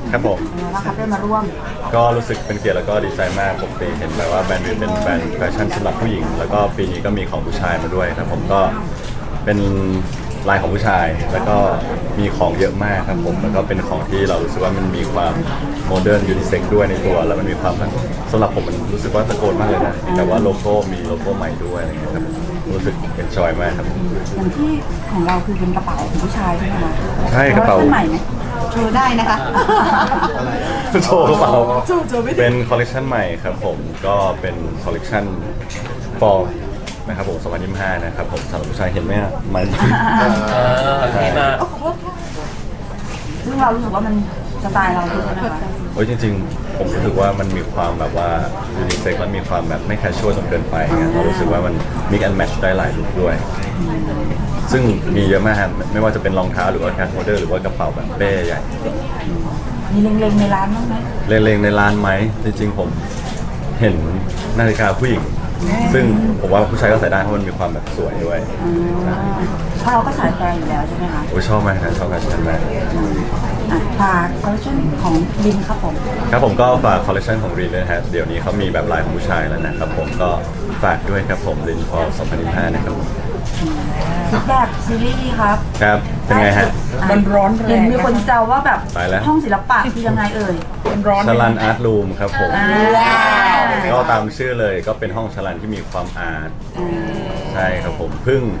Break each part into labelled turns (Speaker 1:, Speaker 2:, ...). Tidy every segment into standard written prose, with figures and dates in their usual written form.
Speaker 1: ครับผม
Speaker 2: นะครับได้มาร่วม
Speaker 1: ก็รู้สึกเป็นเกียรติแล้วก็ดีใจมากปกติเห็นแบบว่าแบรนด์วิวเป็นแบรนด์แฟชั่นสำหรับผู้หญิงแล้วก็ปีนี้ก็มีของผู้ชายมาด้วยครับผมก็เป็นลายของผู้ชายแล้วก็มีของเยอะมากครับผมแล้วก็เป็นของที่เรารู้สึกว่ามันมีความโมเดิร์นยูนิเซ็กด้วยในตัวแล้วมันมีความสำหรับผมมันรู้สึกว่าตะโกนมากเลยนะแต่ว่าโลโก้มีโลโก้ใหม่ด้วยอะไรเงี้ยครับรู้สึกเอ็นจอยมากครับ
Speaker 2: อย่างที่ของเราคือเป็นกระเป๋าของผู้ชายใช่ไหมคะ
Speaker 1: ใช่กระเป๋า
Speaker 2: ใหม่ไหมโชว์ได้นะคะ
Speaker 1: โชว์กระเป๋าเป็นคอลเลคชันใหม่ครับผมก็เป็นคอลเลคชันฟอร์นะครับผม2025นะครับผมสำหรับผู้ชายเห็นไหมอะมัน
Speaker 3: ใช่มา
Speaker 2: ซึ่งเรารู้สึกว่ามันสไตล์เราด้วยนะคะ
Speaker 1: โอ้ยจริงๆผมรู้สึกว่ามันมีความแบบว่ายูนิเซ็กและมีความแบบไม่แคชชวลจนเกินไปเงี้ยเรารู้สึกว่ามันมิกแอนด์แมทช์ได้หลายลุคด้วยซึ่งมีเยอะมากครับไม่ว่าจะเป็นรองเท้าหรือว่าแคชโฮลเดอร์หรือว่ากระเป๋าแบบเป้ใหญ่
Speaker 2: มีเล็งๆในร้านบ้างไหม
Speaker 1: เล็งๆในร้านไหมจริงๆผมเห็นนาฬิกาผู้หญิงซึ่งผมว่าผู้ชายก็ใส่ได้เพราะมันมีความแบบสวยด้วย
Speaker 2: เพราะเราก็สายแฟร์อยู่แล้วใช่ไหมคะ
Speaker 1: โอ้ยชอบมากนะชอบแฟชั่นมาก
Speaker 2: ฝากคอลเลคชันของลินครับผม
Speaker 1: ครับผมก็ฝากคอลเลคชันของรีนด้วยนะฮะเดี๋ยวนี้เขามีแบบลายของผู้ชายแล้วนะครับผมก็ฝากด้วยครับผมรินพอ2025นะครับผม
Speaker 2: ฟีดแบ็กซีรีส์ครับ
Speaker 1: ครับเป็นไงฮะ
Speaker 4: มันร้อนแร
Speaker 2: เห็น
Speaker 4: ง
Speaker 2: มีคนแซวว่าแบบ
Speaker 1: ตายแล้ว
Speaker 2: ห้องศิลปะคือยังไงเอ่ย
Speaker 4: มันร้อน
Speaker 1: ชลันอาร์ตรูมครับผม
Speaker 2: ว้าว
Speaker 1: ก็ตามชื่อเลยก็เป็นห้องชลันที่มีความอาร์ตใช่ครับผมเพิ่ง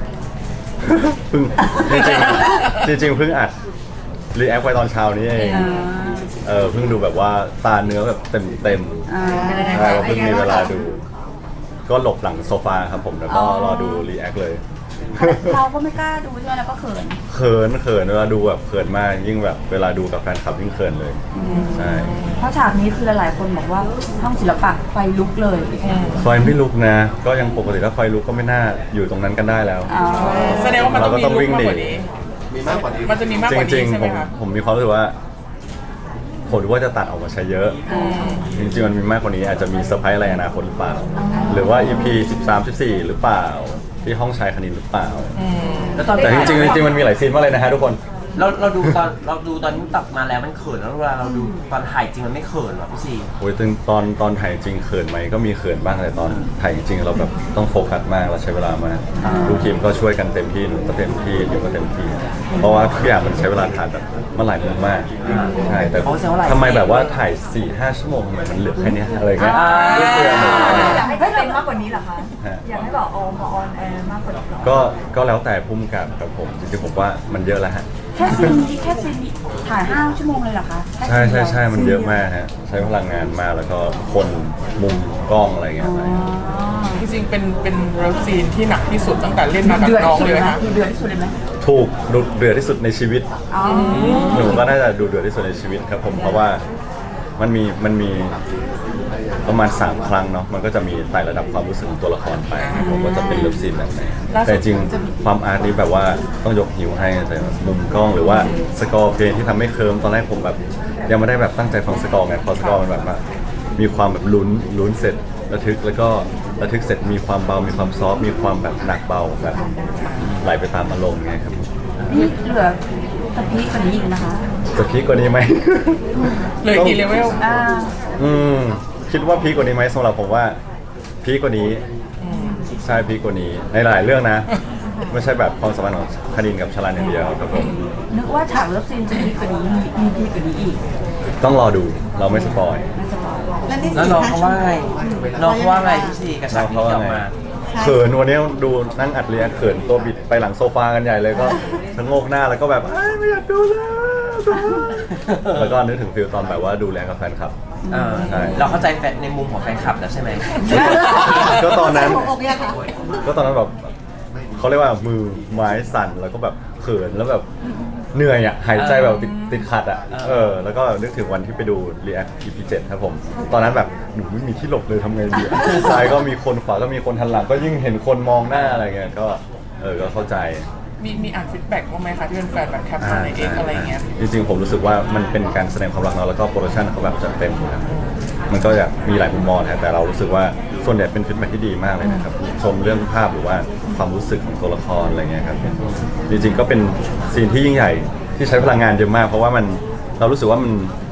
Speaker 1: จริงๆเพิ่งอัดรีแอคไปตอนเช้านี้เองเพิ่งดูแบบว่าตาเนื้อแบบเต็มใช่ว่าเพิ่งมีเวลาดู ก็หลบหลังโซฟาครับผมแล้วก็รอดูรีแอคเลย
Speaker 2: เราก็ไม่กล้าดูใช่ไหมแล้วก็เขิน
Speaker 1: เขินเวลาดูแบบเขินมากยิ่งแบบเวลาดูกับแฟนคลับยิ่งเขินเลยใช่
Speaker 2: เพราะฉากนี้คือหลายๆคนบอกว่าห้องศิลปะไฟลุกเลย
Speaker 1: ไฟไม่ลุกนะ ก็ยังปกติถ้าไฟลุกก็ไม่น่าอยู่ตรงนั้นกันได้แล้ว
Speaker 4: แสดงว่ามันต้องมี
Speaker 1: เราก็ต้อง
Speaker 4: ลุ
Speaker 1: วิ่
Speaker 4: ก
Speaker 1: ง
Speaker 4: มาก
Speaker 1: หนี
Speaker 4: กว่านี้มีมากกว่านี้มันจะมีมาก
Speaker 1: จ
Speaker 4: กว่า
Speaker 1: ริ
Speaker 4: นี้
Speaker 1: ง
Speaker 4: ใช่
Speaker 1: ๆ
Speaker 4: ไหมครับ
Speaker 1: ผมมีความรู้สึกว่าผมรู้ว่าจะตัดออกมาใช้เยอะ จริงๆมันมีมากกว่านี้อาจจะมีเซอร์ไพรส์อะไรอนาคตหรือเปล่า หรือว่า EP 13 14 หรือเปล่า ที่ห้องชายคณินหรือเปล่า
Speaker 3: แล้วตอน
Speaker 1: แต่จริงๆมันมีหลายซีนมากเลยนะฮะทุกคน
Speaker 3: เราดูตอนนี้ตัดมาแล้วมันเขินแล้วเวลาเราดูตอนถ่ายจริงมันไม่เขินหรอพี่ซี
Speaker 1: โอ้ยตอนถ่ายจริงเขินไหมก็มีเขินบ้างแต่ตอนถ่ายจริงเราแบบต้องโฟกัสมากเราใช้เวลามากทุกทีมก็ช่วยกันเต็มที่หนูก็เต็มที่เดี๋ยวก็เต็มที่ เพราะว่าทุกอย่างมันใช้เวลาถ่ายแบบมันหลายมุมมากใช่แต่ทำไมแบบว่าถ่าย 4-5 ชั่วโมงทำไมมันเหลือแค่เนี้ยอะไรเงี้ยไม่เปลือง
Speaker 2: อยากให้เป็นมากกว่านี้เหรอคะ อยากให้แบบมาออนแอร์มากกว่านี้เหรอ
Speaker 1: ก็แล้วแต่พุ่มกับครับผมจริงๆผมว่ามันเยอะแล้วฮะ
Speaker 2: แค่ซีนนี้ถ่าย5 ชั่วโมงเลยเหรอคะ
Speaker 1: ใช่มันเยอะมากฮะใช้พลังงานมากแล้วก็คนมุมกล้องอะไรเงี้ย
Speaker 4: จริงๆเป็นเลิฟซีนที่หนักที่สุดตั้งแต่เล่นมากับ
Speaker 2: เดือด
Speaker 4: น้อง
Speaker 2: ที่สุด
Speaker 4: เลย
Speaker 2: เลยไหม
Speaker 4: นะ
Speaker 2: เดือดที่สุดเลยไหม
Speaker 1: ถูกดุเดือดที่สุดในชีวิต
Speaker 2: อ๋อ
Speaker 1: หนูก็น่าจะดูเดือดที่สุดในชีวิตครับผมเพราะว่ามันมีประมาณ3 ครั้งเนาะมันก็จะมีไต่ระดับความรู้สึกของตัวละครไปครับผมว่าจะเป็นเลิฟซีนแบบไหนแต่จริงความอาร์ตนี้แบบว่าต้องยกหิวให้แต่มุมกล้องหรือว่าสกอร์เพลงที่ทำให้เคิร์มตอนแรกผมแบบยังไม่ได้แบบตั้งใจฟังสกอร์ไงพอสกอร์มันแบบว่ามีความแบบลุ้นเสร็จระทึกแล้วก็ระทึกเสร็จมีความเบามีความซอฟต์มีความแบบหนักเบาแบบไหลไปตามอารมณ์ไงครับ
Speaker 2: นี่เหลือตะพีกว่านี้อีกนะคะ
Speaker 1: จะพีคกว่านี้ไหม
Speaker 4: เหลยกี่เลเวล
Speaker 1: คิดว่าพีคกว่านี้ไหมสำหรับผมว่าพีคกว่านี้ใช่พีคกว่านี้ในหลายเรื่องนะ ไม่ใช่แบบความสัมพันธ์ของคณินกับชลันอย่างเดียวครับผม
Speaker 2: นึกว่าฉากเลิฟซีนจะพีกกว่านี้มีพีกกว่านี้อีก
Speaker 1: ต้องรอดูเราไม่สปอย
Speaker 2: ไม่สปอย
Speaker 3: แล้วน้องเขาว่าไงน้องเขาว่าไงพี่ซีกับฉากนี้ที่ออกมา
Speaker 1: เขินวันนี้ดูนั่งอัดเรียเขินตัวบิดไปหลังโซฟากันใหญ่เลยก็ชะโงกหน้าแล้วก็แบบไม่อยากดูแล้วก็นึกถึงฟิลตอนแบบว่าดูแลกับแฟนคลับ ใช่
Speaker 3: เราเข้าใจในมุมของแฟนคลับแล้วใช่ไหม
Speaker 1: ก็ตอนนั้นแบบเขาเรียกว่ามือไม้สั่นแล้วก็แบบเขินแล้วแบบเหนื่อยอ่ะหายใจแบบติดขัดอ่ะแล้วก็นึกถึงวันที่ไปดู React EP 7ครับผมตอนนั้นแบบหนูไม่มีที่หลบเลยทำไงดีซ้ายก็มีคนขวาก็มีคนทันหลังก็ยิ่งเห็นคนมองหน้าอะไรเงี้ยก็ก็เข้าใจ
Speaker 4: มีอ่านฟีดแบ็กบ้างไหมคะที่เป็นแฟนแบบแคปมาในเอกอะไรเงี้ย
Speaker 1: จริงๆผมรู้สึกว่ามันเป็นการแสดงความรักเนาะแล้วก็โปรดักชันเขาแบบจัดเต็มนะครับมันก็จะมีหลายมุมมองนะแต่เรารู้สึกว่าส่วนใหญ่เป็นฟีดแบ็กที่ดีมากเลยนะครับชมเรื่องภาพหรือว่าความรู้สึกของตัวละครอะไรเงี้ยครับจริงๆก็เป็นซีนที่ยิ่งใหญ่ที่ใช้พลังงานเยอะมากเพราะว่าเรารู้สึกว่ามัน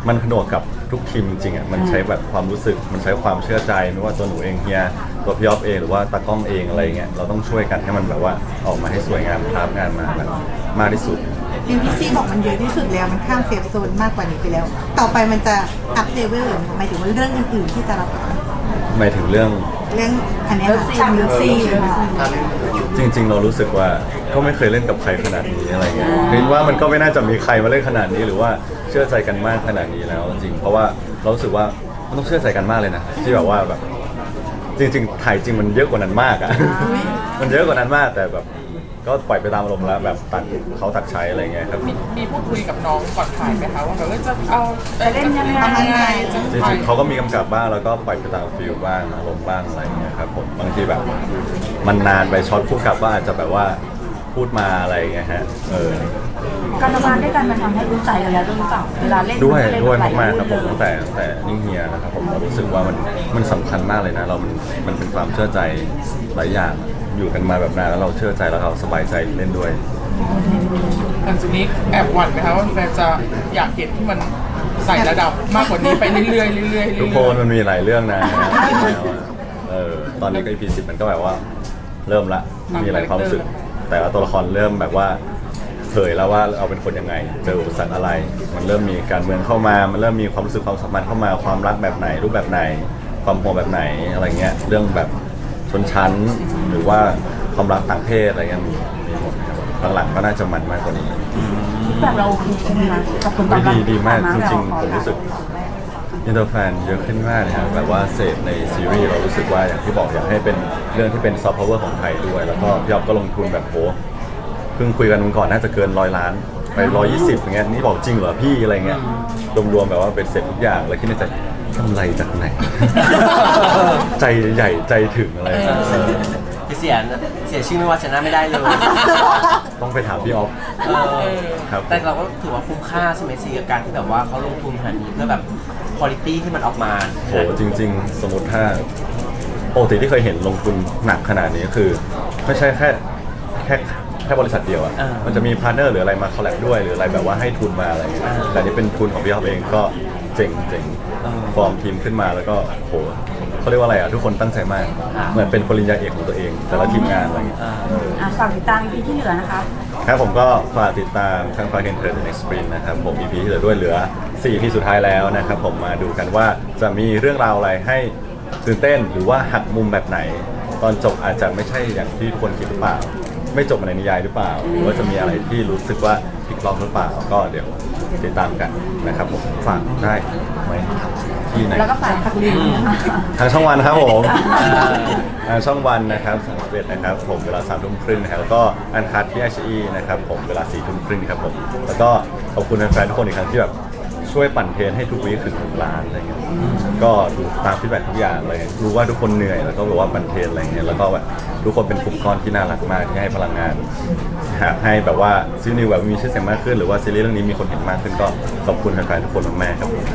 Speaker 1: มันผนวกกับทุกทีมจริงๆอ่ะมันใช้แบบความรู้สึกมันใช้ความเชื่อใจไม่ว่าตัวหนูเองเฮียตัวพี่อ๊อฟเองหรือว่าตากล้องเองอะไรเงี้ยเราต้องช่วยกันให้มันแบบว่าออกมาให้สวยงามภาพงานมาแบบมากที่สุด
Speaker 5: ดิวพี่ซี่บอกมันเยอะที่สุดแล้วมันข้ามเซฟโซนมากกว่านี้ไปแล้ว ต่อไปมันจะอัพเลเวลหรือหมายถึงว่าเรื่องอื่นๆที่จะรับ
Speaker 1: หมายถึงเรื่อง
Speaker 5: เรื่องอันเนี้ย
Speaker 2: เลิฟซีนเลิฟซีนค่ะ
Speaker 1: จริงๆ เรารู้สึกว่าก็ไม่เคยเล่นกับใครขนาดนี้อะไรเงี้ยคิดว่ามันก็ไม่น่าจะมีใครมาเล่นขนาดนี้หรือว่าเชื่อใจกันมากขนาดนี้แล้วจริงๆเพราะว่าเรารู้สึกว่ามันต้องเชื่อใจกันมากเลยนะที่แบบว่าแบบจริงๆถ่ายจริงมันเยอะกว่านั้นมากอ่ะ มันเยอะกว่านั้นมากแต่แบบก็ปล่อยไปตามอารมณ์แล้วแบบตัดเขาตัดใช้อะไรเงี้ยครับ
Speaker 4: มีพูดคุยกับน้องก่อนถ่ายไหมคะว่าแบบจะเอา
Speaker 2: จะเล่นยังไง
Speaker 4: จะ
Speaker 1: จ
Speaker 4: ถ่า
Speaker 1: ริ
Speaker 4: ย
Speaker 1: งๆเขาก็มีกำกับบ้างแล้วก็ปล่อยไปตามฟิลบ้างอารมณ์บ้างอะไรเงี้ยครับผมบางทีแบบมันนานไปช็อตคู่กับว่าอาจจะแบบว่าพูดมาอะไรเงี้ยฮะ
Speaker 2: การทำงานด้วยกันมันทำให้รู้ใจกันแล้วด้วยหรือเปล่าเวลาเล่น
Speaker 1: ด้วย
Speaker 2: นเล่น
Speaker 1: ด้วย
Speaker 2: หล
Speaker 1: มากๆครับผม
Speaker 2: เรื่
Speaker 1: ตั้
Speaker 2: อง
Speaker 1: แต่นิ่งเฮียนะครับผมเรารู้สึกว่ามันสำคัญมากเลยนะเรามันเป็นความเชื่อใจหลายอย่างอยู่กันมาแบบนานแล้วเราเชื่อใจแล้วเราสบายใจเล่นด้วย
Speaker 4: หลังจากนี้แอบหวั่นไหมคะว่าแฟนจะอยากเห็นที่มันใส่ระดับมากกว่านี้ไปเรื่อยๆเรื่อยๆ
Speaker 1: ทุกคนมันมีหลายเรื่องนะแล้วอะตอนนี้ก็ EP 10มันก็แบบว่าเริ่มละมีหลายความรู้สึก แต่ว่าตัวละครเริ่มแบบว่าเผยแล้วว่าเราเป็นคนยังไงเจออุปสรรคอะไร มันเริ่มมีการเมืองเข้ามา มันเริ่มมีความรู้สึกความสัมพันธ์เข้ามาความรักแบบไหนรูปแบบไหนความห่วงแบบไหนอะไรเงี้ยเรื่องแบบชนชั้นหรือว่าความรักต่างเพศอะไรเงี้ยมีหมดครับหลังๆก็น่าจะมันมากกว่านี้
Speaker 2: แบบเราโอเคใช่ไหมคะกับคนตอบรับ
Speaker 1: ดีมากจริงๆผมรู้สึก อินเตอร์แฟนเยอะขึ้นมากเลยครับแบบว่าเสพในซีรีส์เรารู้สึกว่าอย่างที่บอกอยากให้เป็นเรื่องที่เป็นซอฟต์พาวเวอร์ของไทยด้วย แล้วก็พี่อ๊อฟก็ลงทุนแบบโหเพิ่งคุยกันวันก่อนน่าจะเกิน100 ล้านไป120อย่างเงี้ยนี่บอกจริงเหรอพี่อะไรเงี้ยรวมๆแบบว่าเป็นเสร็จทุกอย่างแล้วคิดในใจกำไรจากไหน ใจใหญ่ใจถึงอะไรเงี้ย
Speaker 3: เสียชื่อไม่ว่าชนะไม่ได้เลย
Speaker 1: ต้องไปถามพี่อ๊อฟ
Speaker 3: เออ
Speaker 1: ครับ
Speaker 3: แต่เราก็ถือว่าคุ้มค่าใช่ไหมซีกับการที่แบบว่าเขาลงทุนขนาดนี้เพื่อแบบคุณภาพที่มันออกมา
Speaker 1: โหจริง ๆ สมมติถ้าปกติที่เคยเห็นลงทุนหนักขนาดนี้คือ ไม่ใช่แค่บริษัทเดียวอ่ะมันจะมีพาร์ทเนอร์หรืออะไรมาคอลแลบด้วยหรืออะไรแบบว่าให้ทุนมาอะไรเงี้ยแต่นี่เป็นทุนของพี่อ๊อฟเองก็เจ๋งฟอร์มทีมขึ้นมาแล้วก็โหเขาเรียกว่าอะไรอ่ะทุกคนตั้งใจมากเหมือนเป็นปริญญาเอกของตัวเองแต่ละทีมงานอะไรเงี้ย
Speaker 2: ฝากติดตาม EP ที่เหลือนะคะ
Speaker 1: ครับผมก็ฝากติดตามทางฟาเคนเทอร์ The Next Sprint นะครับผม EP ที่เหลือด้วยเหลือ4 EP สุดท้ายแล้วนะครับผมมาดูกันว่าจะมีเรื่องราวอะไรให้ตื่นเต้นหรือว่าหักมุมแบบไหน ตอนจบอาจจะไม่ใช่อย่างที่ทุกคนคิดหรือเปล่า ไม่จบในนิยายหรือเปล่า หรือว่าจะมีอะไรที่รู้สึกว่าพลิกล็อกหรือเปล่าก็เดี๋ยวติดตามกันนะครับผมฝากได้ไหมที่ไหน
Speaker 2: แล้วก็ฝากพักลิง
Speaker 1: ทางช่องวันครับผมทางช่องวันนะครับ31นะครับผมเวลา3 ทุ่มครึ่งนะครับแล้วก็อันคัดที่ HE นะครับผมเวลา4 ทุ่มครึ่งครับผมแล้วก็ขอบคุณแฟนๆทุกคนอีกครั้งที่แบบช่วยปั่นเทรนให้ทุกวีคถึง1 ล้านอะไรเงี้ยก็ดูตามฟีดแบ็กทุกอย่างเลยรู้ว่าทุกคนเหนื่อยแล้วก็แบบว่าปั่นเทรนอะไรเงี้ยแล้วก็แบบทุกคนเป็นกลุ่มก้อนที่น่ารักมากที่ให้พลังงานให้แบบว่าซีรีส์แบบมีชื่อเสียงมากขึ้นหรือว่าซีรีส์เรื่องนี้มีคนเห็นมากขึ้นก็ขอบคุณแฟนๆทุกคนมากๆครับผม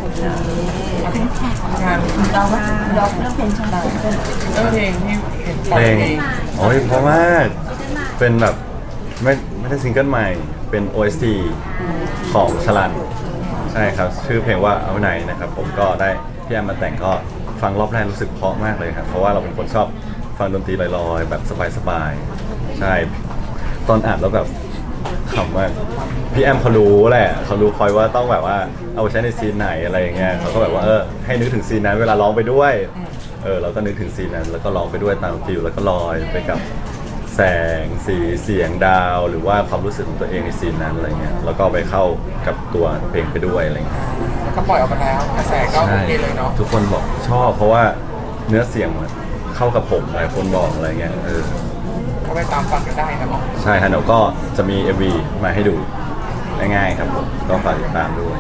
Speaker 4: งาน
Speaker 2: เราเรื่องเพลงช่างเรา
Speaker 4: เรื่องเพลงที่เห็นปล่
Speaker 1: เพ
Speaker 4: อย
Speaker 1: ลง
Speaker 4: เอง
Speaker 1: โอ้ยเพราะมากเป็นแบบไม่ได้ซิงเกิลใหม่เป็น OST ของชลันใช่ครับชื่อเพลงว่าเอาไหนนะครับผมก็ได้พี่แอมมาแต่งก็ฟังรอบแรกรู้สึกเพราะมากเลยครับเพราะว่าเราเป็นคนชอบฟังดนตรีลอยๆแบบสบายๆใช่ตอนอ่านแล้วแบบขำมากพี่แอมเขารู้แหละเขารู้คอยว่าต้องแบบว่าเอาไปใช้ในซีนไหนอะไรอย่างเงี้ยเขาก็แบบว่าให้นึกถึงซีนนั้นเวลาร้องไปด้วยเราก็นึกถึงซีนนั้นแล้วก็ร้องไปด้วยตามฟิลแล้วก็ลอยไปกับแสงสีเสียงดาวหรือว่าความรู้สึกของตัวเองในซีนนั้นอะไรเงี้ยแล้วก็ไปเข้ากับตัวเพลงไปด้วยอะไรเงี้ย
Speaker 4: แล้วก็ปล่อยออกมาแล้วกระแสก็โอ
Speaker 1: ใช่
Speaker 4: เคเลยเนาะ
Speaker 1: ทุกคนบอกชอบเพราะว่าเนื้อเสียงมันเข้ากับผมหลายคนบอกอะไรเงี้ย
Speaker 4: ก็ไปตามฟังกันได้นะเนาะ
Speaker 1: ใช่ฮะแล้วก็จะมี MV มาให้ดูง่ายๆครับผมก็ฝากติดตามด้วย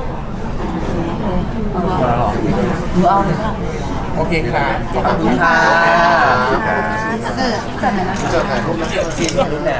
Speaker 2: หนูเอาเลยค่ะ
Speaker 4: โอเคค่ะขอบคุณ
Speaker 3: ค่ะ
Speaker 5: เออ
Speaker 2: จัดไหนนะ
Speaker 3: ซีนรุ่นแรก